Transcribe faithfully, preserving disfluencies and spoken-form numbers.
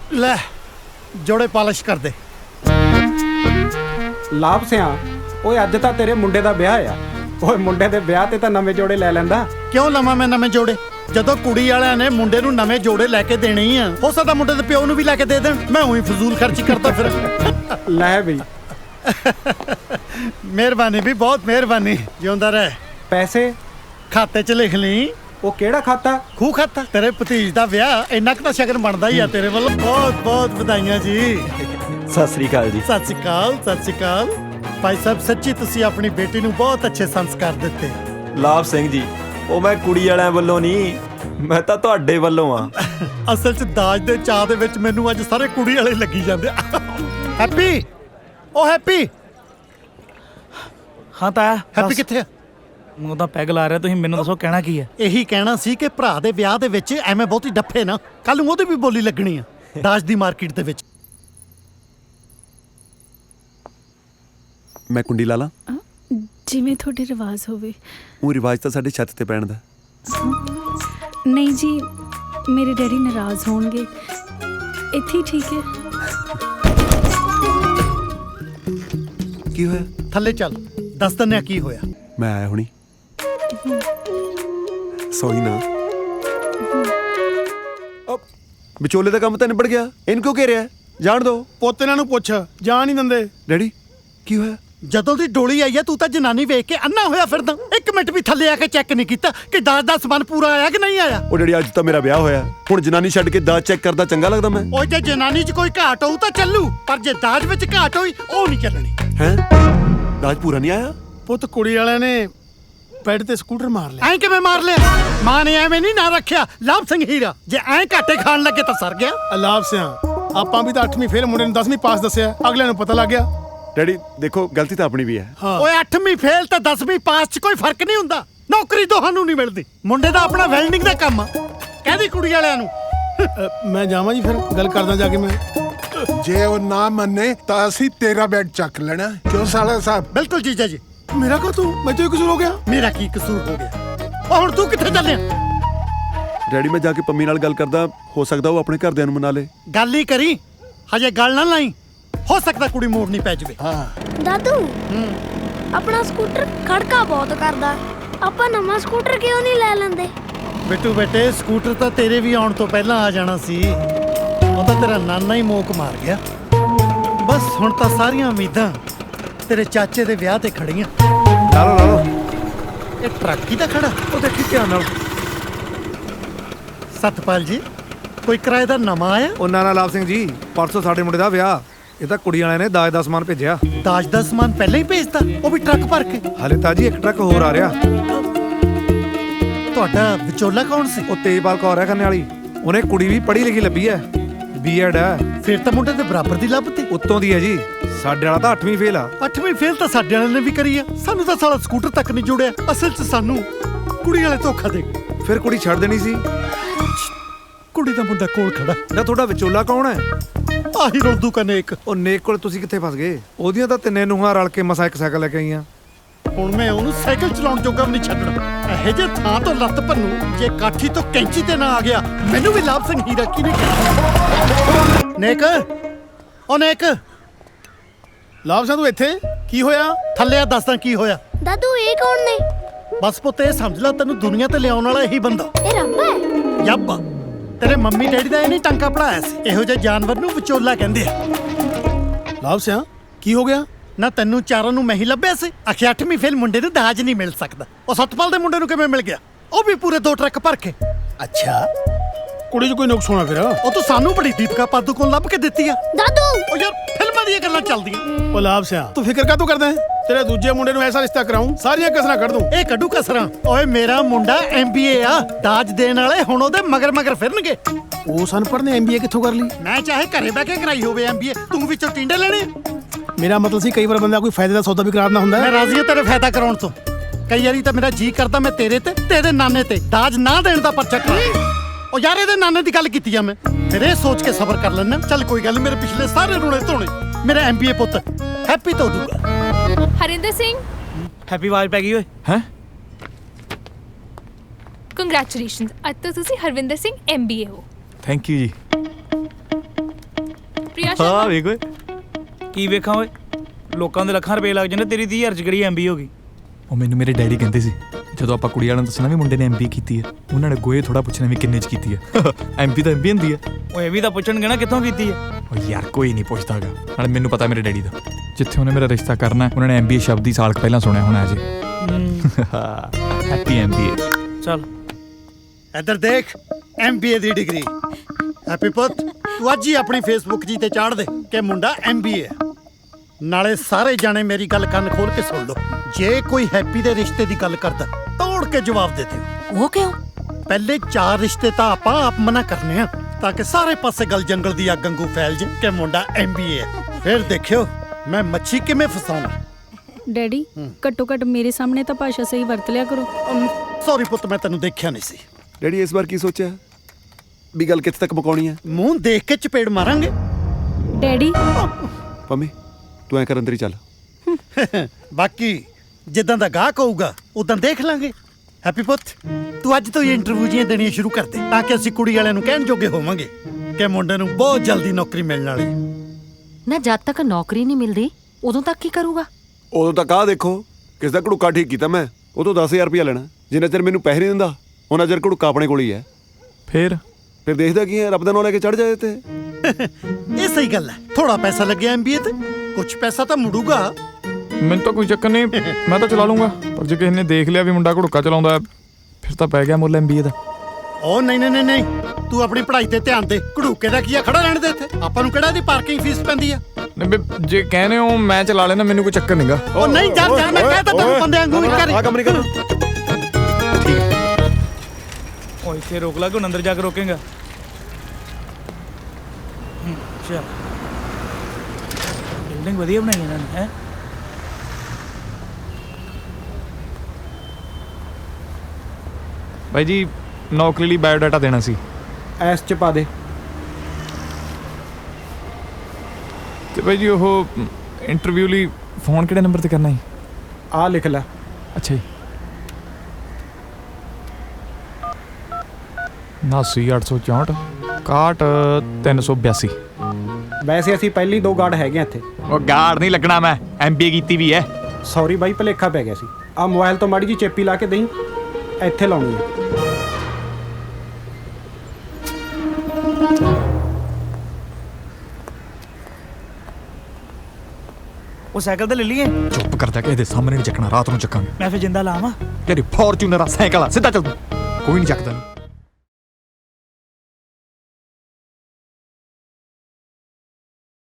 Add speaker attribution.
Speaker 1: ਲੈ ਜੋੜੇ ਪਾਲਿਸ਼ ਕਰ ਦੇ।
Speaker 2: ਲਾਭ ਸਿਆਂ ਓਏ ਅੱਜ ਤਾਂ ਤੇਰੇ ਮੁੰਡੇ ਦਾ ਵਿਆਹ ਆ। ਓਏ ਮੁੰਡੇ ਦੇ ਵਿਆਹ ਤੇ ਤਾਂ ਨਵੇਂ ਜੋੜੇ ਲੈ ਲੈਂਦਾ।
Speaker 1: ਕਿਉਂ ਲਵਾਂ ਮੈਂ ਨਵੇਂ ਜੋੜੇ ਜਦੋਂ ਕੁੜੀ ਵਾਲਿਆਂ ਨੇ ਮੁੰਡੇ ਨੂੰ ਨਵੇਂ ਜੋੜੇ ਲੈ ਕੇ ਦੇਣੇ ਹੀ ਆ। ਹੋ ਸਕਦਾ ਮੁੰਡੇ ਦੇ ਪਿਓ ਨੂੰ ਵੀ ਲੈ ਕੇ ਦੇ ਦੇਣ। ਮੈਂ ਉਹੀ ਫਜ਼ੂਲ ਖਰਚੀ ਕਰਦਾ ਫਿਰ।
Speaker 2: ਲੈ ਬਈ
Speaker 1: ਮਿਹਰਬਾਨੀ ਵੀ ਬਹੁਤ ਮਿਹਰਬਾਨੀ। ਜਿਉਂਦਾ ਰਹਿ।
Speaker 2: ਪੈਸੇ
Speaker 1: ਖਾਤੇ 'ਚ ਲਿਖ ਲਈ।
Speaker 2: ਉਹ ਕਿਹੜਾ ਖਾਤਾ?
Speaker 1: ਖੂਹ ਖਾਤਾ। ਤੇਰੇ ਭਤੀਜ ਦਾ ਵਿਆਹ ਇੰਨਾ ਕੁ ਤਾਂ ਸ਼ਗਨ ਬਣਦਾ ਹੀ ਆ ਤੇਰੇ ਵੱਲੋਂ। ਬਹੁਤ ਬਹੁਤ ਵਧਾਈਆਂ ਜੀ।
Speaker 3: ਸਤਿ ਸ੍ਰੀ ਅਕਾਲ ਜੀ।
Speaker 1: ਸਤਿ ਸ਼੍ਰੀ ਅਕਾਲ ਸਤਿ ਸ਼੍ਰੀ ਅਕਾਲ। ਭਾਈ ਸਾਹਿਬ ਸੱਚੀ ਤੁਸੀਂ ਆਪਣੀ ਬੇਟੀ ਨੂੰ ਬਹੁਤ ਅੱਛੇ ਸੰਸਕਾਰ ਦਿੱਤੇ।
Speaker 3: ਲਾਭ ਸਿੰਘ ਜੀ ਉਹ ਮੈਂ ਕੁੜੀ ਵਾਲਿਆਂ ਵੱਲੋਂ ਨਹੀਂ, ਮੈਂ ਤਾਂ ਤੁਹਾਡੇ ਵੱਲੋਂ ਆ।
Speaker 1: ਅਸਲ 'ਚ ਦਾਜ ਦੇ ਚਾਅ ਦੇ ਵਿੱਚ ਮੈਨੂੰ ਅੱਜ ਸਾਰੇ ਕੁੜੀ ਵਾਲੇ ਲੱਗੀ ਜਾਂਦੇ। ਹੈਪੀ ਉਹ ਹੈਪੀ
Speaker 4: ਹਾਂ ਤਾਇਆ।
Speaker 1: ਹੈਪੀ ਕਿੱਥੇ ਆ?
Speaker 4: ਮੂੰਹ ਤਾਂ ਪੈਗ ਲਾ ਰਿਹਾ। ਤੁਸੀਂ ਮੈਨੂੰ ਦੱਸੋ ਕਹਿਣਾ ਕੀ ਹੈ?
Speaker 1: ਇਹੀ ਕਹਿਣਾ ਸੀ ਕਿ ਭਰਾ ਦੇ ਵਿਆਹ ਦੇ ਵਿੱਚ ਐਵੇਂ ਬਹੁਤੀ ਡੱਫੇ ਨਾ। ਕੱਲ ਨੂੰ ਉਹਦੀ ਵੀ ਬੋਲੀ ਲੱਗਣੀ ਆ ਦਾਜ ਦੀ ਮਾਰਕੀਟ ਦੇ ਵਿੱਚ।
Speaker 5: ਮੈਂ ਕੁੰਡੀ ਲਾ ਲਾਂ?
Speaker 6: ਜਿਵੇਂ ਤੁਹਾਡੇ ਰਿਵਾਜ ਹੋਵੇ।
Speaker 5: ਉਹ ਰਿਵਾਜ ਤਾਂ ਸਾਡੇ ਛੱਤ ਤੇ ਪੈਣ ਦਾ।
Speaker 6: ਨਹੀਂ ਜੀ ਮੇਰੇ ਡੈਡੀ ਨਾਰਾਜ਼ ਹੋਣਗੇ। ਇੱਥੇ ਹੀ ਠੀਕ ਹੈ।
Speaker 5: ਕੀ ਹੋਇਆ?
Speaker 1: ਥੱਲੇ ਚੱਲ ਦੱਸ ਦਿੰਦੇ ਆ ਕੀ ਹੋਇਆ।
Speaker 5: ਮੈਂ ਆਇਆ ਹੁਣੀ। ਸੋਈ ਨਾ ਵਿਚੋਲੇ ਦਾ ਕੰਮ ਤਾਂ ਨਿਬੜ ਗਿਆ। ਇਹਨੂੰ ਕਿਉਂ ਘੇਰਿਆ? ਜਾਣ ਦੋ।
Speaker 7: ਪੁੱਤ ਇਹਨਾਂ ਨੂੰ ਪੁੱਛ, ਜਾਣ ਨਹੀਂ ਦਿੰਦੇ।
Speaker 5: ਡੈਡੀ ਕੀ ਹੋਇਆ?
Speaker 1: ਜਦੋਂ ਦੀ ਡੋਲੀ ਆਈ ਆ ਤੂੰ ਤਾਂ ਜਨਾਨੀ ਵੇਖ ਕੇ ਅੰਨਾ ਹੋਇਆ ਫਿਰਦਾ। ਇੱਕ ਮਿੰਟ ਵੀ ਥੱਲੇ ਆ ਕੇ ਚੈੱਕ ਨਹੀਂ ਕੀਤਾ ਕਿ ਦਾਜ ਦਾ ਸਮਾਨ ਪੂਰਾ ਆਇਆ ਕਿ ਨਹੀਂ ਆਇਆ।
Speaker 5: ਉਹ ਡੈਡੀ ਅੱਜ ਤਾਂ ਮੇਰਾ ਵਿਆਹ ਹੋਇਆ, ਹੁਣ ਜਨਾਨੀ ਛੱਡ ਕੇ ਦਾਜ ਚੈੱਕ ਕਰਦਾ ਚੰਗਾ ਲੱਗਦਾ ਮੈਂ?
Speaker 1: ਉਹ ਜੇ ਜਨਾਨੀ 'ਚ ਕੋਈ ਘਾਟ ਹੋਊ ਤਾਂ ਚੱਲੂ, ਪਰ ਜੇ ਦਾਜ ਵਿੱਚ ਘਾਟ ਹੋਈ ਉਹ ਨਹੀਂ ਚੱਲਣੀ।
Speaker 5: ਹੈ ਦਾਜ ਪੂਰਾ ਨਹੀਂ ਆਇਆ?
Speaker 7: ਪੁੱਤ ਕੁੜੀ ਵਾਲਿਆਂ ਨੇ ਬੈੱਡ ਤੇ ਸਕੂਟਰ ਮਾਰ ਲਿਆ।
Speaker 1: ਐਂ ਕਿਵੇਂ ਮਾਰ ਲਿਆ? ਮਾਂ ਨੇ ਐਵੇਂ ਨਹੀਂ ਨਾ ਰੱਖਿਆ ਲਾਭ ਸਿੰਘ ਹੀਰਾ। ਜੇ ਐਂ ਘਾਟੇ ਖਾਣ ਲੱਗੇ ਤਾਂ ਸਰ ਗਿਆ।
Speaker 7: ਅਲਾਪ ਸਿਆਂ ਆਪਾਂ ਵੀ ਤਾਂ ਅੱਠਵੀਂ ਫੇਲ ਮੁੰਡੇ ਨੂੰ ਦਸਵੀਂ ਪਾਸ ਦੱਸਿਆ, ਅਗਲਿਆਂ ਨੂੰ ਪਤਾ ਲੱਗ ਗਿਆ।
Speaker 5: ਡੈਡੀ ਦੇਖੋ ਗਲਤੀ ਤਾਂ ਆਪਣੀ ਵੀ ਹੈ।
Speaker 1: ਓਏ ਅੱਠਵੀਂ ਫੇਲ ਤੇ ਦਸਵੀਂ ਪਾਸ 'ਚ ਕੋਈ ਫਰਕ ਨਹੀਂ ਹੁੰਦਾ। ਨੌਕਰੀ ਤੁਹਾਨੂੰ ਨਹੀਂ ਮਿਲਦੀ। ਮੁੰਡੇ ਦਾ ਆਪਣਾ ਵੈਲਡਿੰਗ ਦਾ ਕੰਮ ਆ। ਕਹਿੰਦੀ ਕੁੜੀ ਵਾਲਿਆਂ ਨੂੰ।
Speaker 7: ਅ, ਮੈਂ ਜਾਵਾਂ ਜੀ ਫਿਰ ਗੱਲ ਕਰਦਾ ਜਾ ਕੇ ਮੈਂ।
Speaker 8: ਜੇ ਉਹ ਨਾ ਮੰਨੇ ਤਾਂ ਅਸੀਂ ਤੇਰਾ ਬੈਗ ਚੱਕ ਲੈਣਾ। ਕਿਉਂ ਸਾਲਾ ਸਾਹਿਬ?
Speaker 1: ਬਿਲਕੁਲ ਜੀਜਾ ਜੀ।
Speaker 7: ਮੇਰਾ ਕਾ ਤੂੰ ਮੈਂ ਤੋਂ ਕਸੂਰ ਹੋ ਗਿਆ?
Speaker 1: ਮੇਰਾ ਕੀ ਕਸੂਰ ਹੋ ਗਿਆ? ਉਹ ਹੁਣ ਤੂੰ ਕਿੱਥੇ ਚੱਲਿਆ?
Speaker 5: ਡੈਡੀ ਮੈਂ ਜਾ ਕੇ ਪੰਮੀ ਨਾਲ ਗੱਲ ਕਰਦਾ, ਹੋ ਸਕਦਾ ਉਹ ਆਪਣੇ ਘਰਦਿਆਂ ਨੂੰ ਮਨਾ ਲੇ।
Speaker 1: ਗੱਲ ਹੀ ਕਰੀ, ਹਜੇ ਗੱਲ ਨਾ ਲਾਈ। ਹੋ ਸਕਦਾ ਕੁੜੀ ਮੋੜਨੀ ਪੈ ਜਾਵੇ।
Speaker 8: ਹਾਂ
Speaker 9: ਦਾਦੂ ਆਪਣਾ ਸਕੂਟਰ ਖੜਕਾ ਬਹੁਤ ਕਰਦਾ। ਆਪਾਂ ਨਵਾਂ ਸਕੂਟਰ ਕਿਉਂ ਨਹੀਂ ਲੈ ਲੈਂਦੇ?
Speaker 1: ਬਿੱਟੂ ਬੇਟੇ ਸਕੂਟਰ ਤਾਂ ਤੇਰੇ ਵੀ ਆਉਣ ਤੋਂ ਪਹਿਲਾਂ ਆ ਜਾਣਾ ਸੀ। ਉਹ ਤਾਂ ਤੇਰਾ ਨਾਨਾ ਹੀ ਮੋਕ ਮਾਰ ਗਿਆ। ਬਸ ਹੁਣ ਤਾਂ ਸਾਰੀਆਂ ਉਮੀਦਾਂ ਤੇਰੇ ਚਾਚੇ ਦੇ ਵਿਆਹ ਤੇ ਖੜੀਆਂ।
Speaker 4: ਲਾ ਲਓ ਲਾ ਲਓ।
Speaker 1: ਇਹ ਟਰੱਕ ਹੀ ਤਾਂ ਖੜਾ।
Speaker 4: ਉਹ ਦੇਖੀ ਧਿਆਨ ਨਾਲ।
Speaker 1: ਸਤਪਾਲ ਜੀ ਕੋਈ ਕਿਰਾਏਦਾਰ ਨਵਾਂ ਆਇਆ?
Speaker 4: ਉਹ ਨਾ ਨਾ ਲਾਭ ਸਿੰਘ ਜੀ, ਪਰਸੋਂ ਸਾਡੇ ਮੁੰਡੇ ਦਾ ਵਿਆਹ। ਇਹ ਤਾਂ ਕੁੜੀ ਵਾਲਿਆਂ ਨੇ ਦਾਜ ਦਾ ਸਮਾਨ ਭੇਜਿਆ।
Speaker 1: ਦਾਜ ਦਾ ਸਮਾਨ ਪਹਿਲਾਂ ਹੀ ਭੇਜਤਾ, ਉਹ ਵੀ ਟਰੱਕ ਭਰ ਕੇ?
Speaker 4: ਹਲੇ ਤਾਂ ਜੀ ਇੱਕ ਟਰੱਕ ਹੋਰ ਆ ਰਿਹਾ।
Speaker 1: ਤੁਹਾਡਾ ਵਿਚੋਲਾ ਕੌਣ ਸੀ?
Speaker 4: ਉਹ ਤੇਜਪਾਲ ਕੌਰ ਹੈ ਖੰਨੇ ਵਾਲੀ। ਉਹਨੇ ਕੁੜੀ ਵੀ ਪੜ੍ਹੀ ਲਿਖੀ ਲੱਭੀ ਹੈ, ਬੀ ਐਡ ਹੈ।
Speaker 1: ਫਿਰ ਤਾਂ ਮੁੰਡੇ ਦੇ ਬਰਾਬਰ ਦੀ ਲੱਭਤੀ।
Speaker 4: ਉੱਤੋਂ ਦੀ ਹੈ ਜੀ। ਸਾਡੇ ਵਾਲਾ ਤਾਂ ਅੱਠਵੀਂ ਫੇਲ ਆ।
Speaker 1: ਅੱਠਵੀਂ ਫੇਲ ਤਾਂ ਸਾਡੇ ਵਾਲਿਆਂ ਨੇ ਵੀ ਕਰੀ ਆ। ਸਾਨੂੰ ਤਾਂ ਸਾਲਾ ਸਕੂਟਰ ਤੱਕ ਨਹੀਂ ਜੋੜਿਆ। ਅਸਲ 'ਚ ਸਾਨੂੰ ਕੁੜੀ ਵਾਲੇ ਧੋਖਾ ਦੇ ਗਏ।
Speaker 4: ਫਿਰ ਕੁੜੀ ਛੱਡ ਦੇਣੀ ਸੀ।
Speaker 1: ਕੁੜੀ ਦਾ ਮੁੰਡਾ ਕੋਲ ਖੜਾ।
Speaker 4: ਨਾ ਤੁਹਾਡਾ ਵਿਚੋਲਾ ਕੌਣ ਹੈ?
Speaker 1: ਆਹੀ ਰੋਲਦੂ ਕਨੇ ਇੱਕ।
Speaker 4: ਉਹ ਨੇਕ ਕੋਲ ਤੁਸੀਂ ਕਿੱਥੇ ਫਸ ਗਏ? ਉਹਦੀਆਂ ਤਾਂ ਤਿੰਨੇ ਨੂੰਹਾਂ ਰਲ ਕੇ ਮਸਾ ਇੱਕ ਸਾਈਕਲ ਲੈ ਕੇ ਆਈਆਂ।
Speaker 1: ਹੁਣ ਮੈਂ ਉਹਨੂੰ ਸਾਈਕਲ ਚਲਾਉਣ ਜੋਗਾ ਵੀ ਨਹੀਂ ਛੱਡਣਾ। ਇਹੋ ਜਿਹੇ ਥਾਂ ਤੋਂ ਲੱਤ ਭੰਨੂ ਜੇ ਕਾਠੀ ਤੋਂ ਕੈਂਚੀ ਤੇ ਨਾ ਆ ਗਿਆ। ਮੈਨੂੰ ਵੀ ਲਾਭ ਸਿੰਘ ਹੀਰਾ ਕੀ ਨਹੀਂ। ਨੇਕ ਉਹ ਨੇਕ
Speaker 7: ਲਾਭ ਸਿੰਘ ਤੂੰ ਇੱਥੇ ਕੀ ਹੋਇਆ?
Speaker 1: ਥੱਲੇ ਆ ਦੱਸਦਾ ਕੀ ਹੋਇਆ।
Speaker 9: ਦਾਦੂ ਇਹ ਕੌਣ ਨੇ?
Speaker 1: ਬਸ ਪੁੱਤ ਇਹ ਸਮਝ ਲੈ ਤੈਨੂੰ ਦੁਨੀਆ ਤੇ ਲਿਆਉਣ ਵਾਲਾ ਇਹੀ ਬੰਦਾ।
Speaker 9: ਇਹ ਰੱਬ ਹੈ?
Speaker 1: ਯੱਬ ਤੇਰੇ ਮੰਮੀ ਡੈਡੀ ਦਾ ਇਹ ਨਹੀਂ ਟਾਂਕਾ ਪੜਾਇਆ ਸੀ। ਇਹੋ ਜਿਹੇ ਜਾਨਵਰ ਨੂੰ ਵਿਚੋਲਾ ਕਹਿੰਦੇ ਆ।
Speaker 7: ਲਾਭ ਸਿਆਂ ਕੀ ਹੋ ਗਿਆ?
Speaker 1: ਨਾ ਤੈਨੂੰ ਚਾਰਾਂ ਨੂੰ ਮੈਂ ਹੀ ਲੱਭਿਆ ਸੀ। ਆਖਿਆ ਅੱਠਵੀਂ ਫੇਲ ਮੁੰਡੇ ਨੂੰ ਦਾਜ ਨਹੀਂ ਮਿਲ ਸਕਦਾ। ਉਹ ਸਤਪਾਲ ਦੇ ਮੁੰਡੇ ਨੂੰ ਕਿਵੇਂ ਮਿਲ ਗਿਆ? ਉਹ ਵੀ ਪੂਰੇ ਦੋ ਟਰੱਕ ਭਰ ਕੇ।
Speaker 7: ਅੱਛਾ ਕੁੜੀ 'ਚ ਕੋਈ ਨੁਕਸ ਹੋਣਾ ਫਿਰ?
Speaker 1: ਉਹ ਤੂੰ ਸਾਨੂੰ ਬੜੀ ਦੀਪਕਾ ਪਾਦੂਕੋਨ ਲੱਭ ਕੇ ਦਿੱਤੀ ਆ।
Speaker 9: ਦਾਦੂ
Speaker 1: ਉਹ ਯਾਰ ਫਿਲਮਾਂ ਦੀਆਂ ਗੱਲਾਂ ਚੱਲਦੀਆਂ।
Speaker 7: ਉਹ ਲਾਭ ਸਿਆਂ ਤੂੰ ਫਿਕਰ ਕਾਹਤੋਂ ਕਰਦਾ ਹੈ? ਤੇਰੇ ਦੂਜੇ ਮੁੰਡੇ ਨੂੰ ਐਸਾ ਰਿਸ਼ਤਾ ਕਰਾਉਂ ਸਾਰੀਆਂ ਕਸਰਾਂ ਕੱਢ ਦੂੰ।
Speaker 1: ਇਹ ਕੱਢੂ ਕਸਰਾਂ? ਓਏ ਮੇਰਾ ਮੁੰਡਾ ਐਮ ਬੀ ਏ ਆ। ਦਾਜ ਦੇਣ ਵਾਲੇ ਹੁਣ ਉਹਦੇ ਮਗਰ ਮਗਰ ਫਿਰਨਗੇ।
Speaker 7: ਉਹ ਅਨਪੜ੍ਹ ਨੇ ਐਮ ਬੀ ਏ ਕਿੱਥੋਂ ਕਰ ਲਈ?
Speaker 1: ਮੈਂ ਚਾਹੇ ਘਰੇ ਬਹਿ ਕੇ ਕਰਾਈ ਹੋਵੇ ਐਮ ਬੀ ਏ, ਤੂੰ ਵਿੱਚੋਂ ਟਿੰਡੇ ਲੈਣੇ।
Speaker 7: ਮੇਰਾ ਮਤਲਬ ਸੀ ਕਈ ਵਾਰ ਬੰਦਾ ਕੋਈ ਫਾਇਦੇ ਦਾ ਸੌਦਾ ਵੀ ਕਰਾਉਣਾ ਹੁੰਦਾ
Speaker 1: ਮੈਂ
Speaker 7: ਹੈ।
Speaker 1: ਰਾਜ਼ੀ ਹਾਂ ਤੇਰੇ ਫਾਇਦਾ ਕਰਾਉਣ ਤੋਂ। ਕਈ ਵਾਰੀ ਤਾਂ ਮੇਰਾ ਜੀ ਕਰਦਾ ਮੈਂ ਤੇਰੇ ਤੇ ਤੇਰੇ ਨਾਨੇ ਤੇ ਦਾਜ ਨਾ ਦੇਣ ਦਾ ਪਰਚਾ ਕਰਾਂ। ਉਹ ਯਾਰ ਇਹਦੇ ਨਾਨੇ ਦੀ ਗੱਲ ਕੀਤੀ ਆ ਮੈਂ। ਫਿਰ ਇਹ ਸੋਚ ਕੇ ਸਬਰ ਕਰ ਲੈਣਾ। ਚੱਲ ਕੋਈ ਗੱਲ, ਮੇਰੇ ਪਿਛਲੇ ਸਾਰੇ ਰੋਣੇ ਧੋਣੇ ਮੇਰਾ ਐਮ ਬੀ ਏ ਪੁੱਤ ਹੈਪੀ ਧੋ ਦੂਗਾ।
Speaker 10: ਹਰਿੰਦਰ ਸਿੰਘ
Speaker 4: ਹੈਪੀ ਆਵਾਜ਼ ਪੈ ਗਈ ਓਏ। ਹੈ
Speaker 10: ਕੰਗ੍ਰੈਚੁਲੇਸ਼ਨਸ, ਅੱਜ ਤੋਂ ਤੁਸੀਂ Harvinder Singh M B A ਹੋ।
Speaker 3: ਥੈਂਕ ਯੂ ਜੀ।
Speaker 10: ਪ੍ਰਿਆ
Speaker 3: ਹਾਂ
Speaker 10: ਸ਼ਰਮਾ
Speaker 3: ਵੇਖ ਓਏ
Speaker 11: ਕੀ ਵੇਖਾਂ ਓਏ ਲੋਕਾਂ ਦੇ ਲੱਖਾਂ ਰੁਪਏ ਲੱਗ ਜਾਂਦੇ ਤੇਰੀ ਤੀਹ ਹਜ਼ਾਰ ਚ ਕਿਹੜੀ ਐਮਬੀ ਹੋ ਗਈ।
Speaker 3: ਉਹ ਮੈਨੂੰ ਮੇਰੇ ਡੈਡੀ ਕਹਿੰਦੇ ਸੀ ਜਦੋਂ ਆਪਾਂ ਕੁੜੀ ਵਾਲਿਆਂ ਨੂੰ ਦੱਸਣਾ ਵੀ ਮੁੰਡੇ ਨੇ ਐਮਬੀ ਕੀਤੀ ਹੈ ਉਹਨਾਂ ਨੇ ਗੋਏ ਥੋੜਾ ਪੁੱਛਣਾ ਵੀ ਕਿੰਨੇ ਚ ਕੀਤੀ ਹੈ ਐਮਬੀ ਤਾਂ ਐਮਬੀ ਹੁੰਦੀ ਹੈ।
Speaker 11: ਉਹ ਇਹ ਵੀ ਤਾਂ ਪੁੱਛਣਗੇ ਨਾ ਕਿੱਥੋਂ ਕੀਤੀ ਹੈ।
Speaker 3: ਉਹ ਯਾਰ ਕੋਈ ਨਹੀਂ ਪੁੱਛਦਾਗਾ ਨਾਲੇ ਮੈਨੂੰ ਪਤਾ ਮੇਰੇ ਡੈਡੀ ਦਾ ਜਿੱਥੇ ਉਹਨੇ ਮੇਰਾ ਰਿਸ਼ਤਾ ਕਰਨਾ ਉਹਨਾਂ ਨੇ ਐਮਬੀਏ ਸ਼ਬਦ ਹੀ ਸਾਲ ਕੁ ਪਹਿਲਾਂ ਸੁਣਿਆ ਹੋਣਾ ਅਜੇ। Happy MBA.
Speaker 11: ਚੱਲ
Speaker 1: ਇੱਧਰ ਦੇਖ ਐਮਬੀਏ ਦੀ ਡਿਗਰੀ। ਹੈਪੀ ਪੁੱਤ ਤੂੰ ਅੱਜ ਹੀ ਆਪਣੀ ਫੇਸਬੁੱਕ ਜੀ ਤੇ ਚਾੜ ਦੇ ਕਿ ਮੁੰਡਾ ਐਮਬੀਏ ਹੈ। ਨਾਲੇ ਸਾਰੇ ਜਾਣੇ ਮੇਰੀ ਗੱਲ ਕੰਨ ਖੋਲ ਕੇ ਸੁਣ ਲਓ, ਜੇ ਕੋਈ ਹੈਪੀ ਦੇ ਰਿਸ਼ਤੇ ਦੀ ਗੱਲ ਕਰਦਾ ਤੋੜ ਕੇ ਜਵਾਬ ਦੇ ਦਿਓ।
Speaker 10: ਉਹ ਕਿਉਂ?
Speaker 1: ਪਹਿਲੇ ਚਾਰ ਰਿਸ਼ਤੇ ਤਾਂ ਆਪਾਂ ਆਪ ਮਨਾ ਕਰਨੇ ਆ ਤਾਂ ਕਿ ਸਾਰੇ ਪਾਸੇ ਗੱਲ ਜੰਗਲ ਦੀ ਅੱਗ ਵਾਂਗੂ ਫੈਲ ਜੇ ਕਿ ਮੁੰਡਾ ਐਮਬੀਏ ਹੈ। ਫਿਰ ਦੇਖਿਓ ਮੈਂ ਮੱਛੀ ਕਿਵੇਂ ਫਸਾਉਣਾ।
Speaker 6: ਡੈਡੀ ਘੱਟੋ ਘੱਟ ਮੇਰੇ ਸਾਹਮਣੇ ਤਾਂ ਭਾਸ਼ਾ ਸਹੀ ਵਰਤ ਲਿਆ ਕਰੋ।
Speaker 1: ਸੌਰੀ ਪੁੱਤ ਮੈਂ ਤੈਨੂੰ ਦੇਖਿਆ ਨਹੀਂ ਸੀ।
Speaker 5: ਡੈਡੀ ਇਸ ਵਾਰ ਕੀ ਸੋਚਿਆ ਵੀ ਗੱਲ ਕਿੱਥੇ ਤੱਕ ਮੁਕਾਉਣੀ ਹੈ?
Speaker 1: ਮੂੰਹ ਦੇਖ ਕੇ ਚਪੇੜ ਮਾਰਾਂਗੇ।
Speaker 6: ਡੈਡੀ
Speaker 5: ਪੰਮੀ ਤੂੰ ਐ ਕਰ ਅੰਦਰ ਹੀ ਚੱਲ।
Speaker 1: ਬਾਕੀ ਜਿੱਦਾਂ ਦਾ ਗਾਹਕ ਹੋਊਗਾ ਉਦਾਂ ਦੇਖ ਲਾਂਗੇ। ਹੈਪੀ ਪੁੱਤ ਤੂੰ ਅੱਜ ਤੋਂ ਹੀ ਇੰਟਰਵਿਊ ਜੀਆਂ ਦੇਣੀਆਂ ਸ਼ੁਰੂ ਕਰ ਦੇ ਤਾਂ ਕਿ ਅਸੀਂ ਕੁੜੀ ਵਾਲਿਆਂ ਨੂੰ ਕਹਿਣ ਜੋਗੇ ਹੋਵਾਂਗੇ ਕਿ ਮੁੰਡੇ ਨੂੰ ਬਹੁਤ ਜਲਦੀ ਨੌਕਰੀ ਮਿਲਣ ਵਾਲੀ ਹੈ।
Speaker 10: ਨਾ ਜਦ ਤੱਕ ਨੌਕਰੀ ਨਹੀਂ ਮਿਲਦੀ ਉਦੋਂ ਤੱਕ ਕੀ ਕਰੂਗਾ?
Speaker 5: ਉਦੋਂ ਤੱਕ ਆਹ ਦੇਖੋ ਕਿਸ ਦਾ ਘੜੂਕਾ ਠੀਕ ਕੀਤਾ ਮੈਂ ਉਹ ਤੋਂ ਦਸ ਹਜ਼ਾਰ ਰੁਪਇਆ ਲੈਣਾ। ਜਿੰਨਾ ਚਿਰ ਮੈਨੂੰ ਪੈਸੇ ਨਹੀਂ ਦਿੰਦਾ ਉਹਨਾਂ ਚਿਰ ਘੜੂਕਾ ਆਪਣੇ ਕੋਲ ਹੀ ਹੈ।
Speaker 3: ਫਿਰ
Speaker 5: ਫਿਰ ਦੇਖਦਾ ਕੀ ਹੈ ਰੱਬ ਦਾ ਨਾਂ ਲੈ ਕੇ ਚੜ ਜਾਏ ਤੇ।
Speaker 1: ਇਹ ਸਹੀ ਗੱਲ ਹੈ। ਥੋੜਾ ਪੈਸਾ ਲੱਗਿਆ ਐਮਬੀਏ ਤੇ ਕੁਝ ਪੈਸਾ ਤਾਂ ਮੁੜੂਗਾ।
Speaker 3: ਮੈਨੂੰ ਤਾਂ ਕੋਈ ਚੱਕਰ ਨਹੀਂ ਮੈਂ ਤਾਂ ਚਲਾ ਲੂੰਗਾ ਪਰ ਜੇ ਕਿਸੇ ਨੇ ਦੇਖ ਲਿਆ ਵੀ ਮੁੰਡਾ ਘੜੁੱਕਾ ਚਲਾਉਂਦਾ ਫਿਰ ਤਾਂ ਪੈ ਗਿਆ ਮੁੱਲ ਐਮਬੀਏ ਦਾ।
Speaker 1: ਉਹ ਨਹੀਂ ਨਹੀਂ ਨਹੀਂ ਨਹੀਂ ਤੂੰ ਆਪਣੀ ਪੜ੍ਹਾਈ ਤੇ ਧਿਆਨ ਦੇ। ਘੜੂਕੇ ਦਾ ਕੀ ਆ ਖੜਾ ਰਹਿਣ ਦੇ ਇੱਥੇ। ਆਪਾਂ ਨੂੰ ਕਿਹੜਾ ਦੀ ਪਾਰਕਿੰਗ ਫੀਸ ਪੈਂਦੀ ਆ।
Speaker 3: ਨਹੀਂ ਵੀ ਜੇ ਕਹਿੰਦੇ ਹੋ ਮੈਂ ਚਲਾ ਲੈਣਾ ਮੈਨੂੰ ਕੋਈ ਚੱਕਰ ਨਹੀਂਗਾ।
Speaker 1: ਉਹ ਨਹੀਂ ਜਾ ਜਾ ਮੈਂ ਕਹਿ ਤਾ ਤੈਨੂੰ ਬੰਦੇ ਵਾਂਗੂ ਹੀ ਕਰ।
Speaker 5: ਆ ਕੰਮ ਨਹੀਂ ਕਰਨਾ।
Speaker 11: ਉਹ ਇੱਥੇ ਰੋਕ ਲਾ ਕਿ ਹੁਣ ਅੰਦਰ ਜਾ ਕੇ ਰੋਕੇਗਾ। ਚਲ ਬਿਲਡਿੰਗ ਵਧੀਆ ਬਣਾਈ ਇਹਨਾਂ ਨੇ ਹੈ।
Speaker 3: ਬਾਈ ਜੀ ਨੌਕਰੀ ਲਈ ਬਾਇਓਡਾਟਾ ਦੇਣਾ ਸੀ।
Speaker 2: ਐਸ ਚ ਪਾ ਦੇ।
Speaker 3: ਤੇ ਬਾਈ ਜੀ ਉਹ ਇੰਟਰਵਿਊ ਲਈ ਫੋਨ ਕਿਹੜੇ ਨੰਬਰ ਤੇ ਕਰਨਾ ਹੈ?
Speaker 2: ਆਹ ਲਿਖ ਲੈ।
Speaker 3: ਅੱਛਾ ਜੀ ਉਨਾਸੀ ਅੱਠ ਸੌ ਚੌਂਹਠ ਇਕਾਹਠ ਤਿੰਨ ਸੌ ਬਿਆਸੀ।
Speaker 2: ਵੈਸੇ ਅਸੀਂ ਪਹਿਲੀ ਦੋ ਗਾਰਡ ਹੈਗੇ ਆ ਇੱਥੇ।
Speaker 3: ਉਹ ਗਾਰਡ ਨਹੀਂ ਲੱਗਣਾ ਮੈਂ ਐਮਬੀਏ ਕੀਤੀ ਵੀ ਹੈ।
Speaker 2: ਸੌਰੀ ਬਾਈ ਭੁਲੇਖਾ ਪੈ ਗਿਆ ਸੀ। ਆਹ ਮੋਬਾਈਲ ਤੋਂ ਮਾੜੀ ਜੀ ਚੇਪੀ ਲਾ ਕੇ ਦੇਈਂ ਇੱਥੇ ਲਾਉਣੀ ਹੈ।
Speaker 11: ਉਹ ਸਾਈਕਲ ਤੇ ਲੈ ਲਈਏ।
Speaker 3: ਚੁੱਪ ਕਰਦਾ ਕਿ ਇਹਦੇ ਸਾਹਮਣੇ ਨਹੀਂ ਚੱਕਣਾ ਰਾਤ ਨੂੰ ਚੱਕਾਂਗੇ।
Speaker 11: ਮੈਂ ਫਿਰ ਜਿੰਦਾ ਲਾਵਾਂ।
Speaker 3: ਤੇਰੀ ਫੋਰਚੂਨਰ ਆ ਸਾਈਕਲ ਆ ਸਿੱਧਾ ਚੱਲ। ਕੋਈ ਨਹੀਂ ਚੱਕਦਾ।